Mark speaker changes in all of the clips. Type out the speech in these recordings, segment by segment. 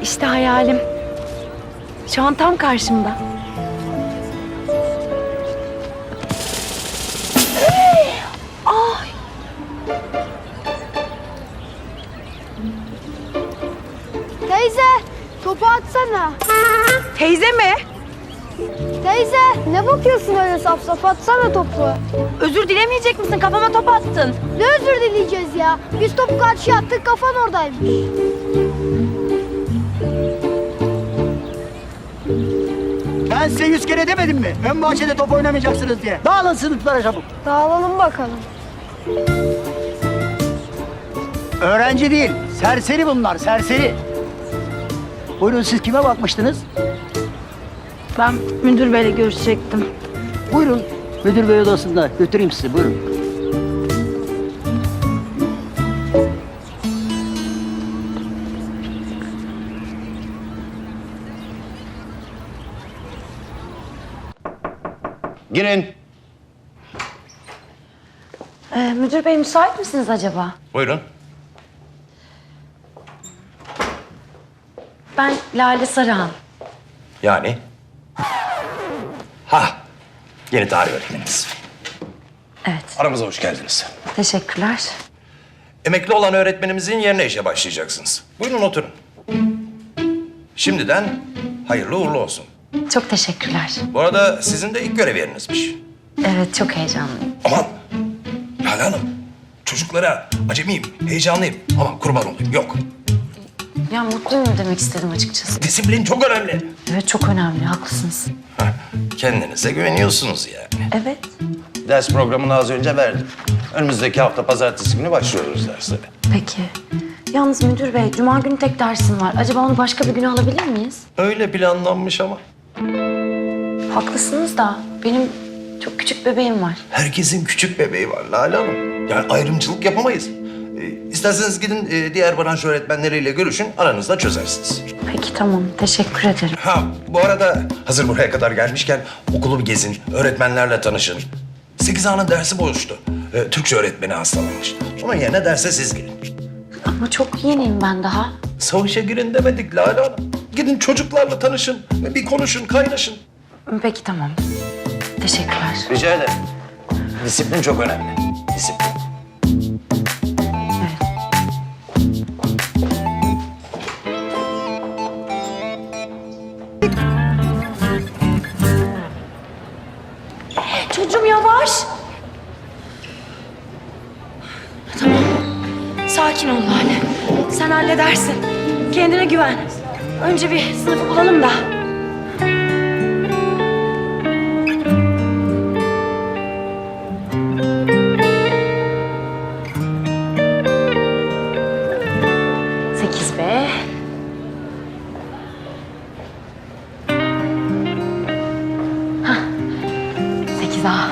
Speaker 1: İşte hayalim. Şu an tam karşımda. Ay.
Speaker 2: Teyze, topu atsana.
Speaker 1: Teyze mi?
Speaker 2: Teyze, ne bakıyorsun öyle saf saf? Atsana topu.
Speaker 1: Özür dilemeyecek misin? Kafama top attın.
Speaker 2: Ne özür dileyeceğiz ya? Biz topu karşıya attık, kafan oradaymış.
Speaker 3: Ben size 100 kere demedim mi? Ön bahçede top oynamayacaksınız diye. Dağılın sınıflara çabuk.
Speaker 2: Dağılalım bakalım.
Speaker 3: Öğrenci değil, serseri bunlar, serseri. Buyurun, siz kime bakmıştınız?
Speaker 1: Ben müdür beyle görüşecektim.
Speaker 3: Buyurun, müdür bey odasında. Götüreyim sizi, buyurun.
Speaker 4: Girin.
Speaker 1: Müdür bey müsait misiniz acaba?
Speaker 4: Buyurun.
Speaker 1: Ben Lale Sarıhan.
Speaker 4: Yani? Ha, yeni tarih öğretmenimiz.
Speaker 1: Evet,
Speaker 4: Aramıza hoş geldiniz.
Speaker 1: teşekkürler.
Speaker 4: Emekli olan öğretmenimizin yerine işe başlayacaksınız. Buyurun oturun. Şimdiden hayırlı uğurlu olsun.
Speaker 1: Çok teşekkürler.
Speaker 4: Bu arada sizin de ilk görev yerinizmiş.
Speaker 1: Evet, çok heyecanlıyım.
Speaker 4: Aman Lale Hanım, çocuklara acemiyim, heyecanlıyım. Aman kurban olayım, yok.
Speaker 1: Ya mutluyum demek istedim açıkçası.
Speaker 4: Disiplin çok önemli.
Speaker 1: Evet, çok önemli, haklısınız.
Speaker 4: Heh, kendinize güveniyorsunuz yani.
Speaker 1: Evet.
Speaker 4: Ders programını az önce verdim. Önümüzdeki hafta pazartesi günü başlıyoruz derslere.
Speaker 1: Peki. Yalnız müdür bey, cuma günü tek dersim var. Acaba onu başka bir güne alabilir miyiz?
Speaker 4: Öyle planlanmış ama.
Speaker 1: Haklısınız da benim çok küçük bebeğim var.
Speaker 4: Herkesin küçük bebeği var Lale Hanım. Yani ayrımcılık yapamayız. İsterseniz gidin diğer branş öğretmenleriyle görüşün, aranızda çözersiniz.
Speaker 1: Peki tamam, teşekkür ederim.
Speaker 4: Ha, bu arada hazır buraya kadar gelmişken okulu bir gezin, öğretmenlerle tanışın. 8A'nın dersi boştu. Türkçe öğretmeni hastalanmış. Onun yerine derse siz girin.
Speaker 1: Ama çok yeniyim ben daha.
Speaker 4: Savaşa girin demedik Lale Hanım. Gidin çocuklarla tanışın, bir konuşun, kaynaşın.
Speaker 1: Peki tamam. Teşekkürler.
Speaker 4: Rica ederim. Disiplin çok önemli. Disiplin.
Speaker 1: Evet. Çocuğum yavaş. Tamam. Sakin ol Lale. Sen halledersin. Kendine güven. Önce bir sınıfı bulalım da. Sekiz B. Hah. 8A.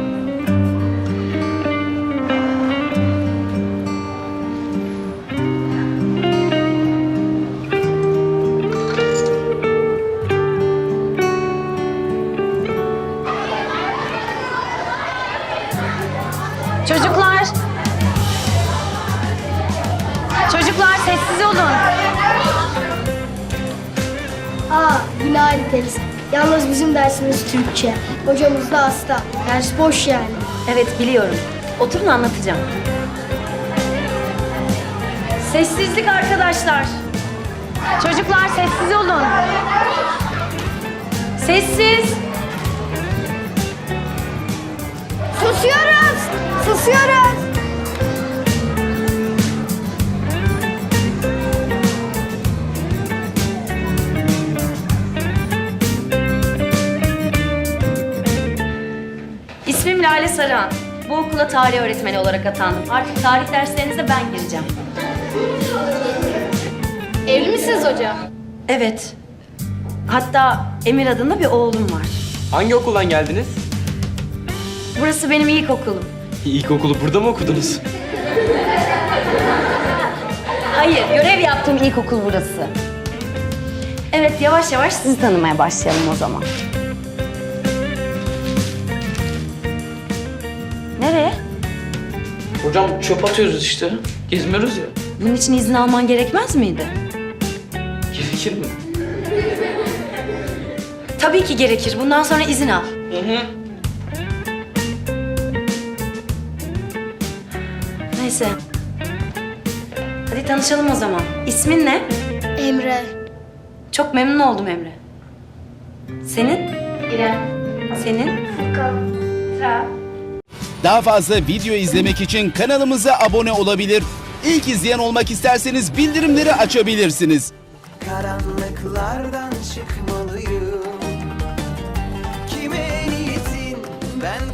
Speaker 1: Çocuklar. Çocuklar sessiz olun.
Speaker 2: Aa, yine aynı teyze. Yalnız bizim dersimiz Türkçe. Hocamız da hasta. Ders boş yani.
Speaker 1: Evet biliyorum. Oturun anlatacağım. Sessizlik arkadaşlar. Çocuklar sessiz olun. Sessiz.
Speaker 2: Susuyoruz! Susuyoruz!
Speaker 1: İsmim Lale Sarıhan. Bu okula tarih öğretmeni olarak atandım. Artık tarih derslerinize ben gireceğim.
Speaker 2: Evli misiniz hocam?
Speaker 1: Evet. Hatta Emir adında bir oğlum var.
Speaker 5: Hangi okuldan geldiniz?
Speaker 1: Burası benim ilkokulum.
Speaker 5: İlkokulu burada mı okudunuz?
Speaker 1: Hayır, görev yaptığım ilkokul burası. Evet, yavaş yavaş sizi tanımaya başlayalım o zaman. Nereye?
Speaker 5: Hocam çöp atıyoruz işte. Gezmiyoruz ya.
Speaker 1: Bunun için izin alman gerekmez miydi?
Speaker 5: Gerekir
Speaker 1: Tabii ki gerekir. Bundan sonra izin al. Neyse. Hadi tanışalım o zaman. İsmin ne?
Speaker 2: Emre.
Speaker 1: Çok memnun oldum Emre. Senin? İrem. Senin?
Speaker 6: Daha fazla video izlemek için kanalımıza abone olabilir. İlk izleyen olmak isterseniz bildirimleri açabilirsiniz.
Speaker 7: Karanlıklardan çıkmalıyım. Kime niyetin ben